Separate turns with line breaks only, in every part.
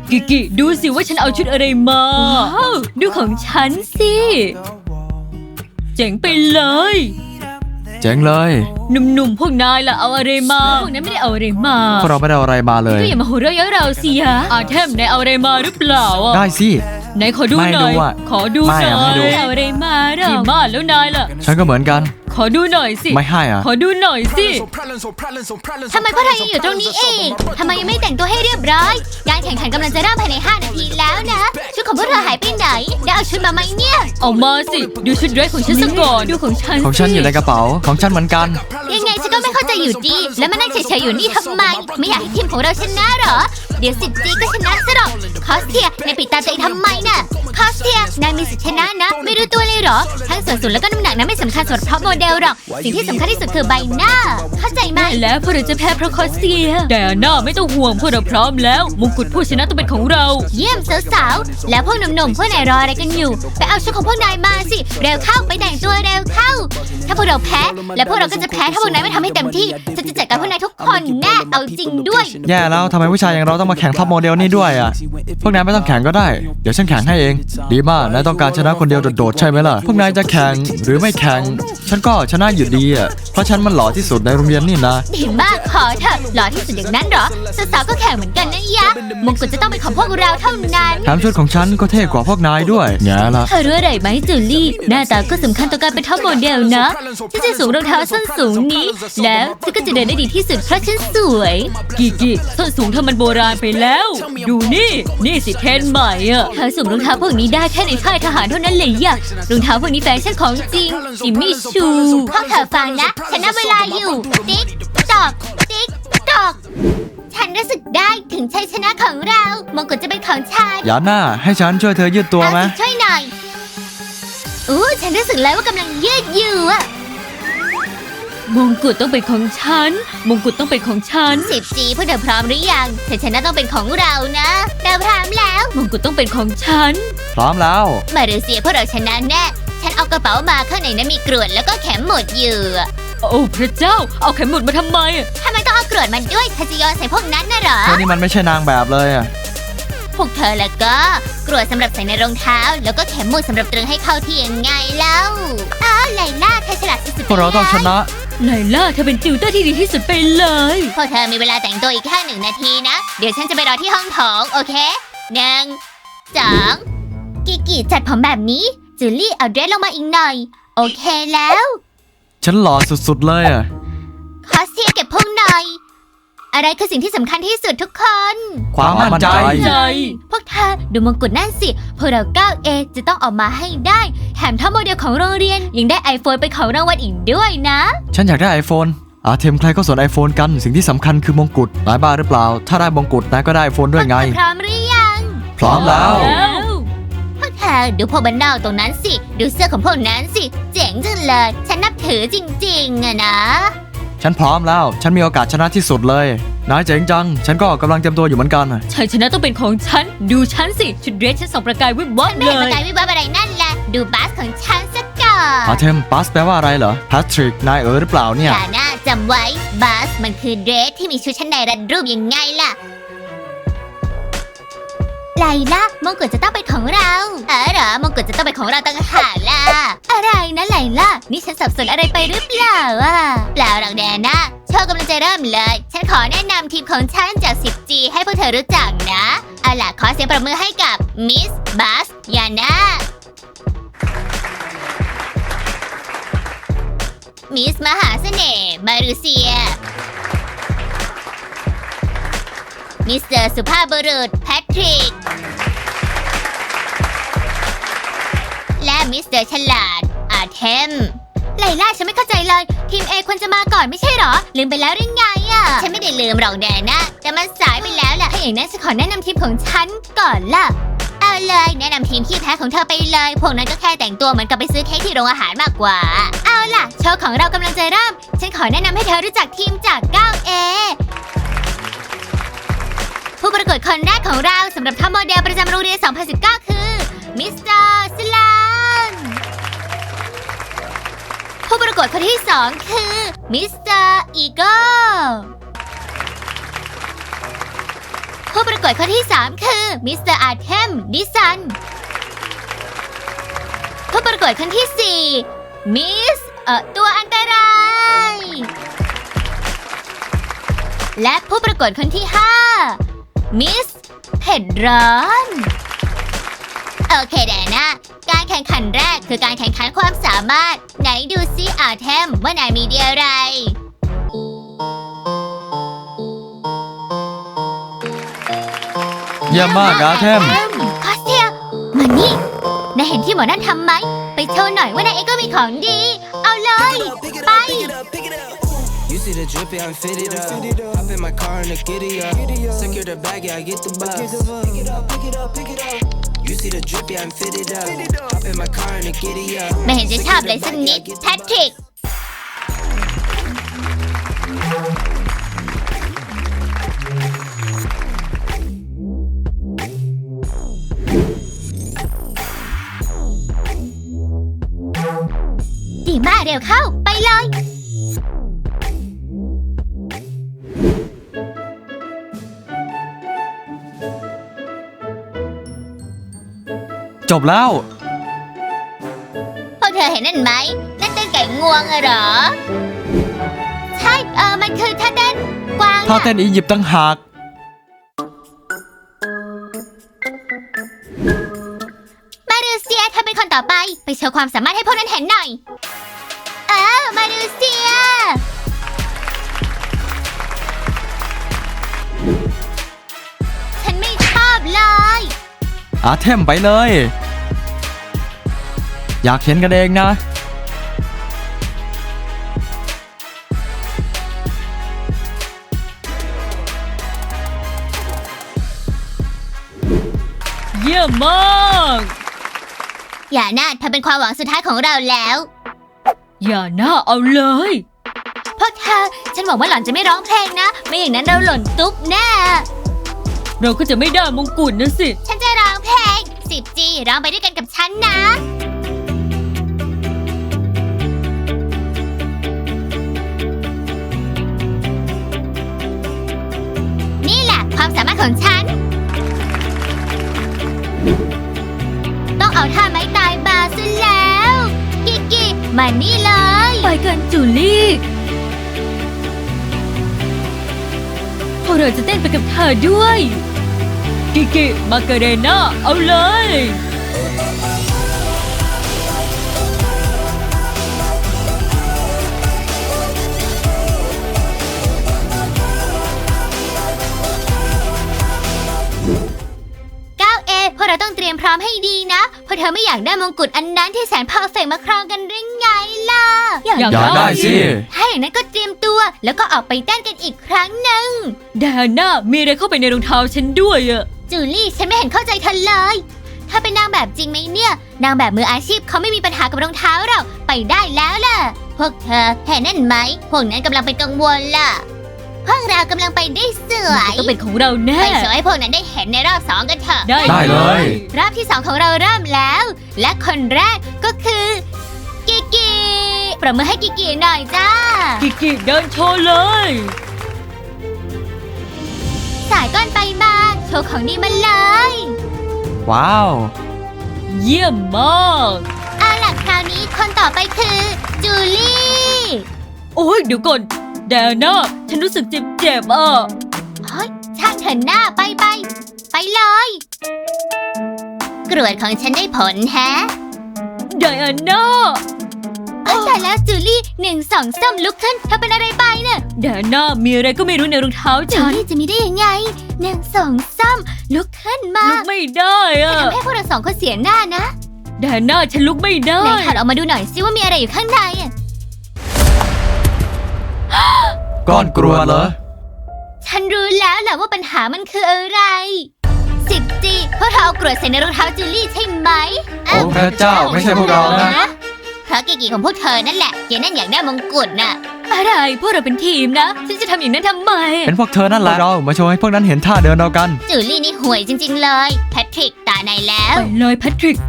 กิดูสิว่าฉันเอาชุดอะไรมาดูของฉันสิเจ๋งไปเลย
เจ๋งเลย
หนุ่มๆพวกนายล่ะเอาอะไรมาพวกนั้นไม่ได้เอาอะไรมา
พวกเราไม่ได้เอาอะไรมาเลย
ก็อย่ามาหัวเราะเยาะเราสิฮะอาเทมนายเอาอะไรมาหรือเปล่า
ได้สิ
ไหนขอดูหน่อยขอดูหน่อยเอาอะไรมาหรอมาแล้วนายล่ะ
ฉันก็เหมือนกัน
ขอดูหน่อยสิ
ไม่ให้อ่ะ
ขอดูหน่อยสิ
ทำไมพวกเธอยังอยู่ตรงนี้เองทำไมยังไม่แต่งตัวให้เรียบร้อยการแข่งขันกำลังจะเริ่มภายใน5 นาทีแล้วนะชุดของพวกเธอหายไปไหนได้เอาชุดมาไหมเนี่ย
เอามาสิดูชุดเดรสของฉันซะก่อนดูของฉัน
อยู่ในกระเป๋าของฉันเหมือนกัน
ยังไงฉันก็ไม่เข้าใจอยู่ดีแล้วมานั่งเฉยๆอยู่นี่ทำไมไม่อยากให้ทีมของเราชนะหรอเดี๋ยวสิจีก็ชนะซะหรอกคอสเทียนายปิดตาตัวเองทำไมน่ะคอสเทียนายมีสิทธิชนะนะไม่รู้ตัวเลยหรอทั้งส่วนสูงแล้วก็น้ำหนักนั้นไม่สำคัญสำหรับท็อปโมเดลหรอกสิ่งที่สำคัญที่สุดคือใบหน้าเข้าใจไหม
แล้วพวกเราจะแพ้เพราะคอสเทียแต่หน้าไม่ต้องห่วงพวกเราพร้อมแล้วมงกุฎผู้ชนะต้องเป็นของเรา
เยี่ยมสาวๆแล้วพวกหนุ่มๆพวกนายรออะไรกันอยู่ไปเอาชุดของพวกนายมาสิเร็วเข้าไปแต่งตัวเร็วเข้าถ้าพวกเราแพ้แล้วพวกเราก็จะแพ้ถ้าพวกนายไม่ทำให้เต็มที่ฉันจะจัดการพวกนายทุกคนแน่เอาจริงด้วย
แย่แล้วทำไมผู้ชายอย่างเราต้องมาแข่งท็อปโมเดลนี่ด้วยอ่ะพวกนายไม่ต้องแข่งก็ได้เดี๋ยวฉันแข่งให้เองดีมากนายต้องการชนะคนเดียวโดดๆใช่ไหมล่ะพวกนายจะแข่งหรือไม่แข่งฉันก็ชนะอยู่ดีอ่ะเพราะฉันมันหล่อที่สุดในโรงเรียนนี่นะ
ดีมากขอเถอะหล่อที่สุดอย่างนั้นเหรอสาวๆก็แข่งเหมือนกันนะยะมงกุฎจะต้องเป็นของพวกเราเท่านั้น
แถมชุดของฉันก็เท่กว่าพวกนายด้วยแง่ละ
เธอรู้อะไรไหมจูลี่หน้าตาก็สำคัญต่อการเป็นท็อปโมเดลนะฉันจะสวมรองเท้าส้นสูงนี้แล้วฉันก็จะเดินได้ดีที่สุดเพราะฉันสวยกิส้นสูงเธอมันโบราณไปแล้วดูนี่สิเทรนด์ใหม่อ่ะเธอสวมรองเท้าพวกนี้ได้แค่ในค่ายทหารเท่านั้นเลยอ่ะรองเท้าพวกนี้แฟชั่นของจริงจิมมี่ชู
พวกเธอฟังนะฉันนับเวลาอยู่ติ๊กตอกติ๊กตอกฉันรู้สึกได้ถึงชัยชนะของเรามงกุฎจะเป็นของฉัน
อย่าหน้าให้ฉันช่วยเธอยืดตัวไหม
ช่วยหน่อยฉันรู้สึกแล้วว่ากำลังยืดอยู่อะ
มงกุฎต้องเป็นของฉันมงกุฎต้องเป็นของฉัน
10G พวกเธอพร้อมหรือยังชัยชนะต้องเป็นของเรานะเราพร้อมแล้ว
มงกุฎต้องเป็นของฉัน
พร้อมแล้ว
มาเลเซียพวกเราชนะแน่ฉันเอากระเป๋ามาข้างในนั้นมีกรวดแล้วก็เข็มหมุดอยู่
โอ้พระเจ้าเอาเข็มหมุดมาทำไม
ต้องเอากรวดมันด้วยเธอจะโยนใส่พวกนั้นน่ะเหรอ
นี่มันไม่ใช่นางแบบเลยอ่ะ
พวกเธอแล้วก็กรวดสำหรับใส่ในรองเท้าแล้วก็เข็มหมุดสำหรับตรึงให้เข้าที่ยังไงเล่าไลล่าเธอฉลาดสุดๆ
พวกเราต้องชนะ
ไลล่าเธอเป็นติวเตอร์ที่ดีที่สุดไปเลย
พวกเธอมีเวลาแต่งตัวอีกแค่1 นาทีนะเดี๋ยวฉันจะไปรอที่ห้องโถงโอเค1 2กิจัดผมแบบนี้จูลี่เอาเดรสลงมาอีกหน่อยโอเคแล้ว
ฉันหล่อสุดๆเลยอ่ะ
คอสเทียเก็บพุงหน่อยอะไรคือสิ่งที่สำคัญที่สุดทุกคน
ความมั่นใจ
พวกเธอดูมงกุฎนั่นสิพวกเรา 9A จะต้องออกมาให้ได้แถมท็อปโมเดลของโรงเรียนยังได้ iPhone เป็นของรางวัลอีกด้วยนะ
ฉันอยากได้ iPhone เทมใครก็สน iPhone กันสิ่งที่สำคัญคือมงกุฎนายบ้าหรือเปล่าถ้าได้มงกุฎนายก็ได้ iPhone ด้วยไง
พร้อมหรือยัง
พร้อมแล้ว
พวกเธอดูพวกบ้านนอกตรงนั้นสิดูเสื้อของพวกนั้นสิเจ๋งจังเลยฉันนับถือจริงๆอะนะ
ฉันพร้อมแล้วฉันมีโอกาสชนะที่สุดเลยนายเจ๋งจังฉันก็กำลังเตรียมตัวอยู่เหมือนกัน
ชัยชนะต้องเป็นของฉันดูฉันสิชุดเดรสฉันส่องประกายวิบวับเลย
ประกายวิบวับอะไรนั่นแหละดูบัสของฉันสักก่อน
เทมบัสแปลว่าอะไรเหรอแพทริกนายหรือเปล่าเนี่ย
น่าจำไว้บัสมันคือเดรสที่มีชุดชั้นในรัดรูปยังไงล่ะไลล่ามงกุฎจะต้องเป็นของเราเหรอมงกุฎจะต้องเป็นของเราต่างหากล่ะอะไรนะไลล่านี่ฉันสับสนอะไรไปหรือเปล่าเปล่าหรอกแดน่าโชว์กำลังจะเริ่มเลยฉันขอแนะนำทีมของฉันจาก 10G ให้พวกเธอรู้จักนะเอาล่ะขอเสียงปรบมือให้กับมิสบัสยาน่ามิสมหาเสน่ห์มารูเซียมิสเตอร์สุภาพบุรุษแพทริกและมิสเตอร์ฉลาดอาเทมไลล่าฉันไม่เข้าใจเลยทีม A ควรจะมาก่อนไม่ใช่หรอลืมไปแล้วหรือไงฉันไม่ได้ลืมหรอกแดน่าแต่มันสายไปแล้วแหละถ้าอย่างนั้นฉันขอแนะนำทีมของฉันก่อนล่ะเอาเลยแนะนำทีมที่แพ้ของเธอไปเลยพวกนั้นก็แค่แต่งตัวเหมือนกับไปซื้อเค้กที่โรงอาหารมากกว่าเอาล่ะโชว์ของเรากำลังจะเริ่มฉันขอแนะนำให้เธอรู้จักทีมจาก 9Aผู้ประกวดคนแรกของเราสำหรับท็อปโมเดลประจำโรงเรียน 2019 คือมิสเตอร์สลานผู้ประกวดคนที่2คือมิสเตอร์อีโก้ผู้ประกวดคนที่ 3 คือมิสเตอร์อาร์เทมดิสันผู้ประกวดคนที่ 4มิสตัวอันตรายและผู้ประกวดคนที่ 5มิสเผ็ดร้อนโอเคแดน่าการแข่งขันแรกคือการแข่งขันความสามารถไหนดูซิอาร์เทมว่านายมีดีอะไร
เยี่ยมมากอาเทม
คอสเทียมานี่นายเห็นที่หมอนั่นทำไหมไปโชว์หน่อยว่านายเองก็มีของดีเอาเลยไป
You see the drippy, I'm fitted up. Hop in my car and the giddy up. Secure the bag, yeah, I get the bus. Pick it up, pick it up, pick it up. You see the drippy, I'm fitted up. Hop in my car and the giddy up.
ไม่เห็นจะชอบเลยสักนิดแพทริกดีมากเร็วเข้าไปเลย
จบแล้ว
พวกเธอเห็นนั่นไหมนั่นเต้นไก่งวงอะเหรอ ใช่มันคือท่าเต้นกวาง
ถ้าเต้นอียิปต์ตั้งหาก
มาดูเซียเธอเป็นคนต่อไปไปโชว์ความสามารถให้พวกนั้นเห็นหน่อยมาดูเซียฉันไม่ชอบเลย
อาเทมไปเลย อยากเห็นกันเองนะ
เยี่ยมมาก
อย่าน่าเธอเป็นความหวังสุดท้ายของเราแล้ว
อย่าหน้าเอาเลย
พวกเธอฉันหวังว่าหล่อนจะไม่ร้องเพลงนะ ไม่อย่างนั้นเราหล่นตุ๊บแน่
เราก็จะไม่ได้มงกุฎนะสิ
ฉันจะร้องเพลง 10G ร้องไปด้วยกันกับฉันนะ นี่แหละความสามารถของฉัน ต้องเอาท่าไม้ตายมาซะแล้ว กิกิมานี่เลย
ไปกันจูลี่พวกเราจะเต้นไปกับเธอด้วย กิกิมาเกเรน่าเอาเลย
9A พวกเราต้องเตรียมพร้อมให้ดีนะ เพราะเธอไม่อยากได้มงกุฎอันนั้นที่แสนเพอร์เฟกต์มาครองกันหรือไงล่ะ
อยาก
อยากได้สิ
ถ้าอย่างนั้นก็เตรียมตัวแล้วก็ออกไปเต้นกันอีกครั้งหนึ่ง
แดน่ามีอะไรเข้าไปในรองเท้าฉันด้วยอะ
จูลี่ฉันไม่เห็นเข้าใจเธอเลย ถ้าเป็นนางแบบจริงไหมเนี่ย นางแบบมืออาชีพเขาไม่มีปัญหากับรองเท้าเราไปได้แล้วล่ะ พวกเธอเห็นนั่นไหม พวกนั้นกำลังเป็นกังวลล่ะ พวกเรากำลังไปได้สวย
ต้องเป็นของเราแน่
ไปโชว์ให้พวกนั้นได้เห็นในรอบ2กันเถอะ
ได้เลย
รอบที่ 2 ของเราเริ่มแล้ว และคนแรกก็คือ กิกิประมือให้กิกิหน่อยจ้า
กิกิเดินโชว์เลย
สายก้อนไปมาโชว์ของดีมาเลย
ว้าว
เยี่ยมมาก
เอาล่ะคราวนี้คนต่อไปคือจูลี่
โอ้ยเดี๋ยวก่อนแดน่าฉันรู้สึกเจ็บๆอ่ะ
เฮ้ยช่างเถอะหน้าไปเลย กรวดของฉันได้ผลแฮะ
ไดอาน่า
แต่แล้วจูลี่1 2 3ลุกขึ้นเธอเป็นอะไรไปเนี่ย
แดน่ามีอะไรก็ไม่รู้ในรองเท้า
จู
ฉัน
ลี่จะมีได้ยังไง1 2 3ลุกขึ้นมา
ลุกไม่ได้อ่ะ
ทำให้พวกเรา2 คนเสียหน้านะ
แดน่าฉันลุกไม่ได้
ไหนถอดออกมาดูหน่อยซิว่ามีอะไรอยู่ข้างในอะ
ก้อนกรวดเหรอ
ฉันรู้แล้วแหละว่าปัญหามันคืออะไร 10G พวกเธอเอากรวดใส่ในรองเท้าจูลี่ใช่ไหม
โอ้พระเจ้าไม่ใช่พวกเรานะ
เพราะกิกิของพวกเธอนั่นแหละเยนั่นอยากได้มงกุฎน่ะ
อะไรพวกเราเป็นทีมนะฉันจะทำอย่างนั้นทำไม
เป็นพวกเธอนั่นแหละเรามาโชว์ให้พวกนั้นเห็นท่าเดินเรากัน
จูลี่นี่ห่วยจริงๆเลยแพทริกตาในแล้ว
ไปเลยแพทริก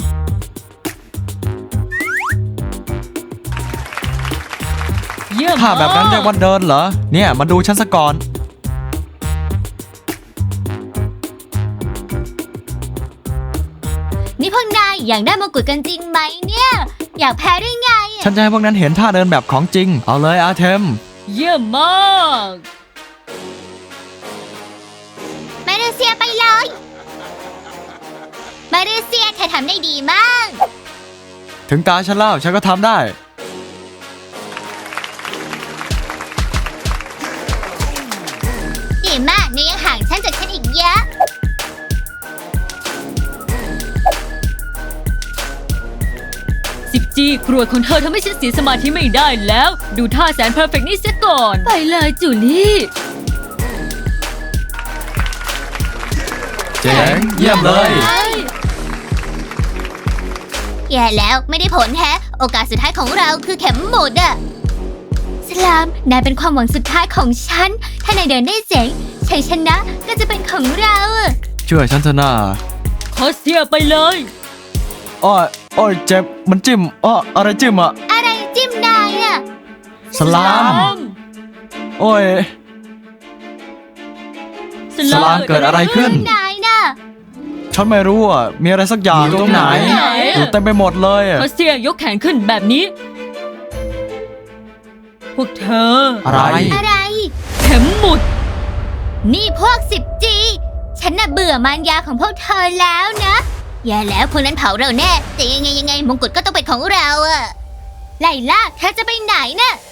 เยี่ยม
ท่าแบบนั้นเรียกว่าเดินเหรอ เนี่ยมาดูฉันซะก่อน
อยากได้มงกุฎกันจริงไหมเนี่ย อยากแพ้ได้ไงอะ
ฉันจะให้พวกนั้นเห็นท่าเดินแบบของจริง เอาเลยอาเทม
เยี่ยมมาก
มาเลเซียไปเลยมาเลเซียเธอทำได้ดีมาก
ถึงตาฉันแล้วฉันก็ทำได้
ดีมากเนยยังห่างฉันจากฉันอีกเยอะ
10G กรวดของเธอทำให้ฉันเสียสมาธิไม่ได้แล้ว ดูท่าแสนเพอร์เฟกต์นี่เสียก่อน ไปเลยจูลี่
เจ๋งเยี่ยมเลย
แย่แล้วไม่ได้ผลแฮะ โอกาสสุดท้ายของเราคือเข็มหมุดอะสลามนายเป็นความหวังสุดท้ายของฉัน ถ้านายเดินได้เจ๋งชัยชนะก็จะเป็นของเราอะ
ช่วยฉันเถอะนะ
คอสเซียไปเลย
อ้อยอ้อยเจ็บมันจิ้มอะไรจิ้มอ่ะ
อะไรจิ้มนายอะ
สลาม โอ้ย สลามเกิดอะไรขึ้น
นายน่ะ
ฉันไม่รู้อ่ะ มีอะไรสักอย่าง
อยู่ตรงไหน
อยู่เต็มไปหมดเลยอะ
คอสเซียยกแขนขึ้นแบบนี้ พวกเธอ
อะไร
อะไร
เข็มหมุด
นี่พวก 10G ฉันน่ะเบื่อมารยาของพวกเธอแล้วนะอย่าแล้วพวกนั้นเผาเราแน่ แต่ยังไงมงกุฎก็ต้องเป็นของเราอะไลล่าเธอจะไปไหนน่ะ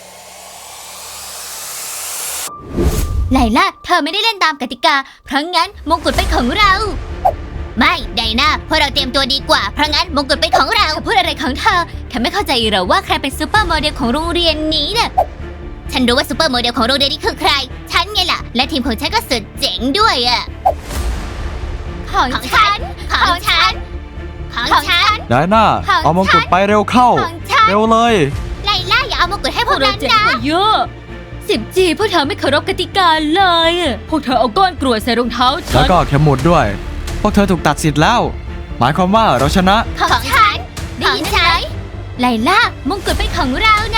ไลล่าเธอไม่ได้เล่นตามกติกา เพราะงั้นมงกุฎเป็นของเรา ไม่ไดนาพวกเราเตรียมตัวดีกว่า เพราะงั้นมงกุฎเป็นของเราพูดอะไรของเธอไม่เข้าใจเหรอว่าใครเป็นซูเปอร์โมเดลของโรงเรียนนี้น่ะฉันรู้ว่าซูเปอร์โมเดลของโรงเรียนนี้คือใคร ฉันไงล่ะ และทีมของฉันก็สุดเจ๋งด้วยอะของฉัน ของฉัน ของฉัน
ได้น่า
ของ
เอามงกุฎไปเร็วเข้า
ของฉัน
เร็วเลย
ไลล่าอย่าเอามงกุฎให้
พ
พ
ว
ว
ก
ก
เรา
นั้น
เจ๋ง
นะ
กว่าเยอะ 10G พวกเธอไม่เคารพกติกาเลยพวกเธอเอาก้อนกรวดใส่รองเท้าฉั
แล้ว
น
ก็เข็มหมุดด้วย พวกเธอถูกตัดสิทธิ์แล้ว หมายความว่าเราชนะ
ของฉันได้ยินไหมไลล่ามงกุฎเป็นของเรานะ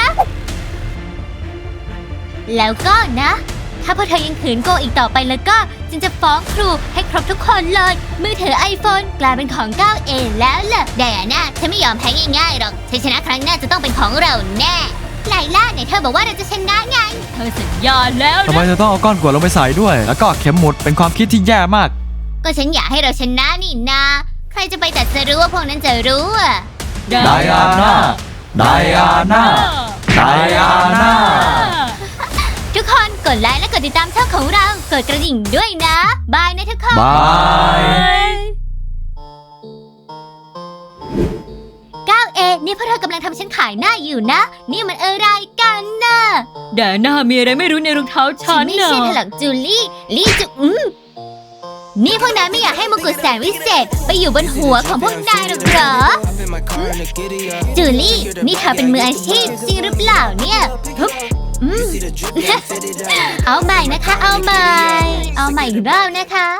แล้วก็นะ ถ้าพวกเธอยังขืนโกงอีกต่อไปแล้วก็จึงจะฟ้องครูให้ครบทุกคนเลย มือถือ iPhone กลายเป็นของ 9A แล้วล่ะไดอาน่าฉันไม่ยอมแพ้ง่ายๆหรอกชัยชนะครั้งหน้าจะต้องเป็นของเราแน่ไลล่าไหนเธอบอกว่าเราจะชนะไง
เธอสัญญาแล้ว
ทำไม
นะ
เธอต้องเอาก้อนกรวดลงไปใส่ด้วย แล้วก็เข็มหมุดเป็นความคิดที่แย่มาก
ก็ฉันอยากให้เราชนะนี่นา ใครจะไปแต่จะรู้ว่าพวกนั้นจะรู้อ่ะ
ไดอาน่า ไดอาน่า ไดอาน่า
ทุกคนกดไลค์และกดติดตามช่องของเรา กดกระดิ่งด้วยนะ บายนะทุกคน
บาย
9A นี่พวกเธอกำลังทำฉันขายหน้าอยู่นะ นี่มันอะไรกันน่ะ
แดน่ามีอะไรไม่รู้ในรองเท้าฉั
ฉั
น
นไม่
น่ะ
ใช่ถลักจูลี่ลี่จุนี่พวกนายไม่อยากให้มงกุฎแสนวิเศษไปอยู่บนหัวของพวกนายหรอกเหรอ จูลี่ นี่เธอเป็นมืออาชีพจริงหรือเปล่าเนี่ยทุบเอาใหม่นะคะ เอาใหม่อีกรอบนะคะ